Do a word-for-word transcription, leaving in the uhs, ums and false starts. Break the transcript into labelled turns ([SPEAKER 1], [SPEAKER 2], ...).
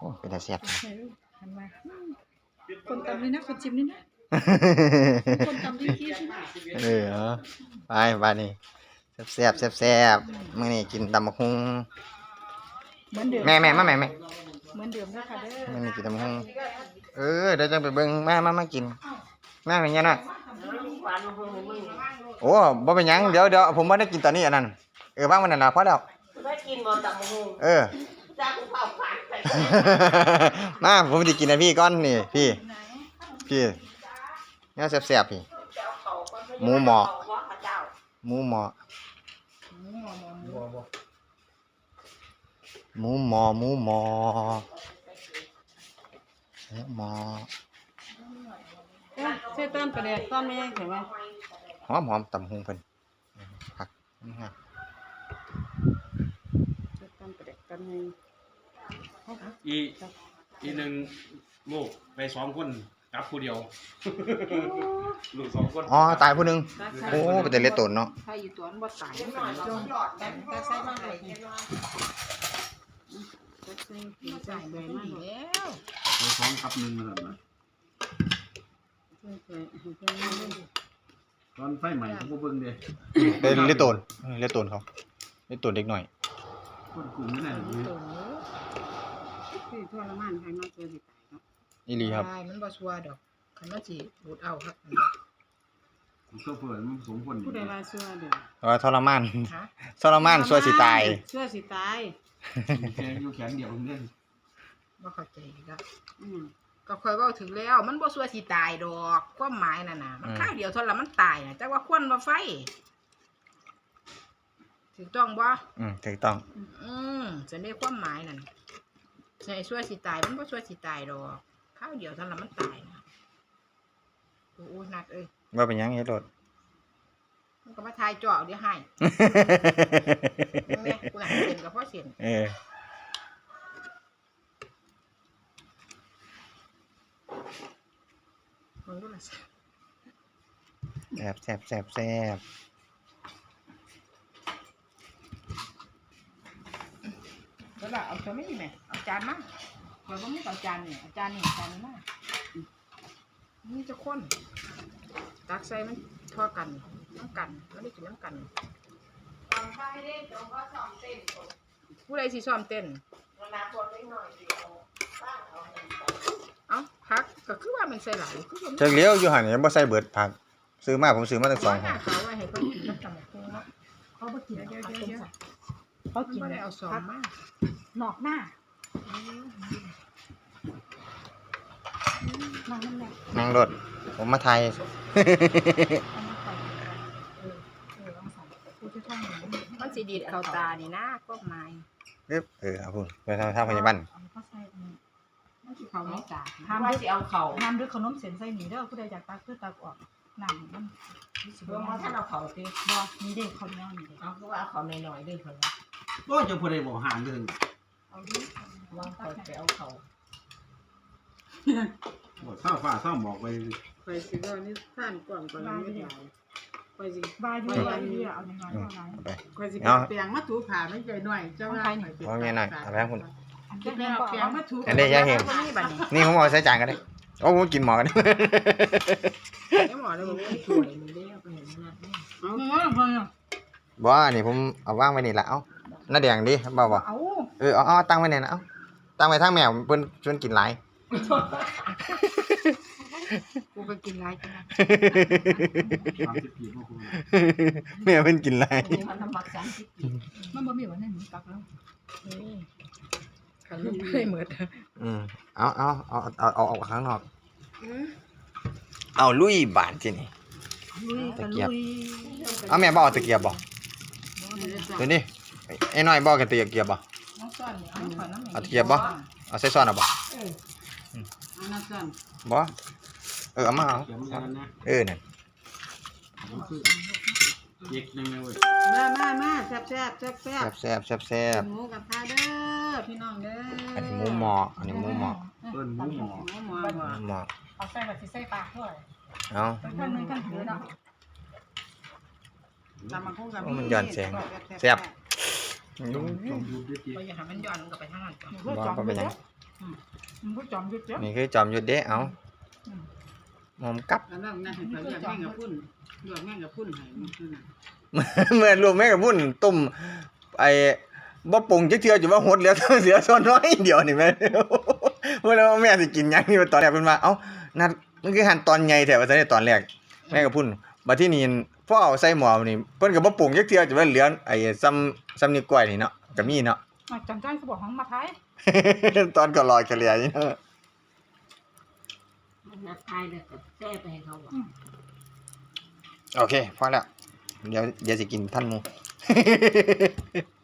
[SPEAKER 1] อ้เป็นแต่แซ่บ
[SPEAKER 2] หันมาคนตำนี่นะคนจิ้มนี่นะคนตำที่กี้ใช่ไหม
[SPEAKER 1] เออเอาไปบ้านนี้แซ่บแซ่บแซ่บมื้อนี้กินตำบักหุ่ง
[SPEAKER 2] เหมือนเดิม
[SPEAKER 1] แม่แม่มาแม่แม่
[SPEAKER 2] เหมือนเดิมนะคะเด้อ
[SPEAKER 1] มื้อนี้กินตำบักหุ่งเออเดี๋ยวจังไปเบิ่งมามามากินมาเป็นยังไงโอ้บ่เป็นหยังเดี๋ยวเดี๋ยวผมบ่ได้กินตอนนี้อันนั้นเออว่างมันนั่นล่ะพอแล้ว
[SPEAKER 3] ได้กินบ่ตำบักหุ่ง
[SPEAKER 1] เออ
[SPEAKER 3] จากเผาผ่านไป
[SPEAKER 1] มาผมสิกินให้พี่ก่อนนี่พี่พี่เนี่ยแซ่บๆพี่หมูหมอหมูหมอหมูหมอหมูหมอหมูหมอ
[SPEAKER 2] ใช่ต้นประเดี๋ยวต้นไม่ยังเห็นไหม
[SPEAKER 1] หอมหอมตำหุงเพิ่นผักนี่ฮะ
[SPEAKER 2] ใช่ต้นประเดี๋ยวต้นนึง
[SPEAKER 4] อีอีหนึ่งลูกไปสองคนกับผู้เดียว ลูกสองคน
[SPEAKER 1] อ๋อตายผู้หนึงโอ้เป็นแต่เล็ดตนเนาะ
[SPEAKER 2] ถ้าอยู่ตัวนั้นบ่ตายมันเป็นจงแต่ใส่มากเลยแต่ใส่กินใส่ใบมันแล้ว
[SPEAKER 4] ไปสองกับหนึ่งนั่นนะ
[SPEAKER 2] ใส่ใส่ใส่มันเลย
[SPEAKER 4] ตอนไฟใหม่เขาบ่เบิ่งเด้
[SPEAKER 1] เป็นเล็ดตนเออเล็ดตนเขาเล็ดตนเด็กหน่อย
[SPEAKER 4] คนกลุ่มนี่แหละ
[SPEAKER 2] มันโตคือทรมานให้มันตัวสิตายเนาะ
[SPEAKER 1] อีหลีครับ
[SPEAKER 5] ใช่มันบ่ชัวร์ดอกคันว่าสิรูดเอาครับ
[SPEAKER 4] โซเฟอร์มันสมคน
[SPEAKER 2] ผู้ใดว่าชั่วเด้อ
[SPEAKER 1] เพราะว่าทรมาน
[SPEAKER 5] ฮะ
[SPEAKER 1] ทรมานสัวสิตาย
[SPEAKER 2] ชั่วสิตาย
[SPEAKER 4] แค่อยู่แขนเดียวเล่น
[SPEAKER 5] บ่เข้าใจอีกแล้ว
[SPEAKER 2] อืม
[SPEAKER 5] ก็ค่อยเว้าถึงแล้วมันบ่ชัวร์สิตายดอกความหมายนั่นน่ะมันข้างเดียวเท่านั้นมันตายน่ะจักว่าควันบ่ไฟถูกต้องบ่
[SPEAKER 1] อืมถูกต้อง
[SPEAKER 5] อืมจะได้ความหมายนั่นใช่ชัวร์สิตายมันบ่ชัวร์สิตายดอกข้าวเดียวเท่านั้นมันตายน่ะโอ้ยนัดเอ้ย
[SPEAKER 1] ว่าเป็นหยังเฮ็ดรถ
[SPEAKER 5] มันก็มาทายเจาะเดี๋ยวให้แม่กูน่ะเซ็นกับพ่อเซ็น
[SPEAKER 1] เออ
[SPEAKER 5] มึงดูล่ะ
[SPEAKER 1] แซ่บแซ่บแซ่บแซ่บ
[SPEAKER 5] แล้วล่ะเอาตัวไม่ดีแม่เอาจานมาข่อยบ่มีเอาจานนี่เอาจานนี่จานนี้มานี่จะคนตักใส่มันทั่วกันน้ำกันไม่ได้กินน้ำกันผู้ใดสิซ้อมเต้นเอ้าพักก็คือว่ามันใส่หลายคือว่ามัน
[SPEAKER 1] จักเลี้ยวอยู่หั่นนี่บ่ใส่เบิดผักซื้อมาผมซื้อมาตั้งสองห่อ
[SPEAKER 5] เขาไว้ให้เพิ่นกินน้ำตาลคงเนาะ
[SPEAKER 2] เขาบ่กินเดี๋ยว
[SPEAKER 5] เขา
[SPEAKER 2] เดี๋ยว
[SPEAKER 5] กิน
[SPEAKER 2] เดี๋ยว
[SPEAKER 5] ซะ
[SPEAKER 2] เขา
[SPEAKER 5] มัน
[SPEAKER 2] กิน
[SPEAKER 5] บ่ได้เอาซองมา
[SPEAKER 2] หนอกหน้านั่งนั่นแหละ
[SPEAKER 1] นั่งรถผมมาไทย
[SPEAKER 2] เอามาใส่เออเออลองใส่กูจะท่องอย่างนี้
[SPEAKER 5] มันสิดีดเข้าตานี่นะก็หมาย
[SPEAKER 1] ปึ๊บเออเอาพุ่นไปทางทางพยาบาล
[SPEAKER 2] เอาเข้าใส่ตรงนี้ไม่สิเขา
[SPEAKER 5] เขา
[SPEAKER 2] ไม่
[SPEAKER 5] ไม่ตา
[SPEAKER 2] ห้าม
[SPEAKER 5] ว่า
[SPEAKER 2] ดึก
[SPEAKER 5] สิเอาเข่า
[SPEAKER 2] ห้ามดึกขนมเส้นใส่หนีเด้อผู้ใดอยากตักคือตักออกนั่งมันรู้สึก
[SPEAKER 5] เพิ่น
[SPEAKER 2] ว่า
[SPEAKER 5] ว่าถ้าเอาเข่าติ
[SPEAKER 2] บ่มีเด็กเขาเนี้ยมีเด็ก
[SPEAKER 5] เอาคือว่าเอาเข่าน้อยๆเด้อเพิ่นว่า
[SPEAKER 4] ก็จะผู้ใดบอกห่างเด้อ
[SPEAKER 2] เอาดิ
[SPEAKER 5] วางเข่าไปเอาเข่า
[SPEAKER 4] บ่เศร้าฟ้าเศร้าหมอกไป
[SPEAKER 3] ไปสิก็นี่ท่านก่อนก่อนไม่ได้ไปสิ
[SPEAKER 2] บายอยู่บายอยู่เอาหน่อยๆเอาหน่อย
[SPEAKER 1] เอาไป
[SPEAKER 3] ไปสิเปียงมาถูผ่าไม่ใจหน่อยเจ้าว่า
[SPEAKER 1] เอาแม่หน่อยเอาไปให้คุณ
[SPEAKER 2] อัน
[SPEAKER 3] เปี
[SPEAKER 2] นี้
[SPEAKER 3] ยง
[SPEAKER 2] ก็
[SPEAKER 3] เปียง
[SPEAKER 2] เอา
[SPEAKER 3] มาถู
[SPEAKER 1] อันนี้ยายเฮง
[SPEAKER 5] นี่บัดนี้
[SPEAKER 1] นี่ผมเอาใส่จานก็ได้โอ้ผมกินหมอกัน
[SPEAKER 5] เดี๋ยวหมอเลยบอกว่าสวยมันได้เอาไปเห็นนัดนี่
[SPEAKER 3] เอาเงินเพิ่น
[SPEAKER 1] บ่อันนี้ผมเอาวางไว้นี่ละเอ้าหน้าแดงดิบ่บ่
[SPEAKER 2] เอา
[SPEAKER 1] เออเอาเอาตั้งไว้นี่นะเอ้าตั้งไว้ทางแมวเพิ่นชวนกินหลาย
[SPEAKER 5] กูก็กินหลายจัง
[SPEAKER 4] สามสิบปีบ่คุณ
[SPEAKER 1] แมวเพิ่นกินหลาย
[SPEAKER 5] นี่มันทำมักสามสิบปี
[SPEAKER 2] มันบ่มีวันนั้นหนูตักแล้ว
[SPEAKER 5] นี่ขันลูกไม่เหมือน
[SPEAKER 1] อืมเอาเอาเอาเอาเอาออกข้างนอกเอาลุยบานที่นี่
[SPEAKER 2] ลุย
[SPEAKER 1] ตะ
[SPEAKER 2] กัน
[SPEAKER 1] เกียบ
[SPEAKER 2] ลุย
[SPEAKER 1] เอาแม่บ่เอาตะเกียบบ่เดี๋ยวนี้ไอ้น้อยบ่กันตะเกียบบ่
[SPEAKER 5] น้องซ่อนนี่เอาขอน้ำ
[SPEAKER 1] เอาตะเกียบบ่เอาใส่ซ้อนเอาบ่
[SPEAKER 3] อันนั้นสั่น
[SPEAKER 1] บ่เออเอามาเอา
[SPEAKER 4] เขียนกันนะ
[SPEAKER 1] เออนั่น
[SPEAKER 4] มันคือเด็กยังไงเว้ย
[SPEAKER 3] มามามาแซ่บแซ่บแซ่บแซ่บ
[SPEAKER 1] แซ่บแซ่บแซ่บ
[SPEAKER 3] หมูกับข้าเด้อพี่น้องเด้อ
[SPEAKER 1] อันนี้หมูหมออันนี้หมูหมอ
[SPEAKER 4] เปิ้นหมูหมอ
[SPEAKER 3] หมูหมอ
[SPEAKER 1] หมูหมอ
[SPEAKER 2] เอาใส่แบบสิใส่ปากด้วย
[SPEAKER 1] เอา
[SPEAKER 2] เป็นคนนึงกันถือเนาะ
[SPEAKER 3] ตำมังคุดกับ
[SPEAKER 1] มันย้อนแสงแซ่บ
[SPEAKER 4] ต้องต้องดูดิ
[SPEAKER 5] ไปอย่าให้มันย้อนมันก็ไปทางนั้นก่อน
[SPEAKER 1] บ่บ่เป็นหยัง
[SPEAKER 2] มันก็จอมยุดเจ้า
[SPEAKER 1] นี่คือจอมยุทธเด้เอาหอมกับ
[SPEAKER 3] แล้วนั่งนั่งให้เขาเรียกแม่งกับพุ่นเรียกแม่งกับพุ่นให้มันคือน่ะ
[SPEAKER 1] เมื่อรวมแม่กับพุ่นต้มไอ้บ่ปรุงจักเทื่อจะว่าหดเหลือเสือส่วนน้อยเดียวนี่แม่ เมื่อแล้วแม่สิกินหยังนี่ตอนแรกเพิ่นว่าเอ้านัดมันคือหั่นตอนใหญ่แท้ว่าซั่นตอนแรกแม่กับพุ่นบัดที่นี่พอเอาใส่หม้อนี่เพิ่นก็บ่ปรุงจักเทื่อจะว่าเหลือไอ้ซ้ำซ้ำนิ้วก้อยนี่เนาะก็มีเนาะ
[SPEAKER 2] จำได้เขาบอกของมาท้าย
[SPEAKER 1] ตอนก็ลอยกระเหลียนี่เนาะ
[SPEAKER 6] มันนัดทายเลยแต่แซ่ไปให้เขาอ่ะ
[SPEAKER 1] โอเคพอแล้วเดี๋ยวเดี๋ยวสิกินท่านหมู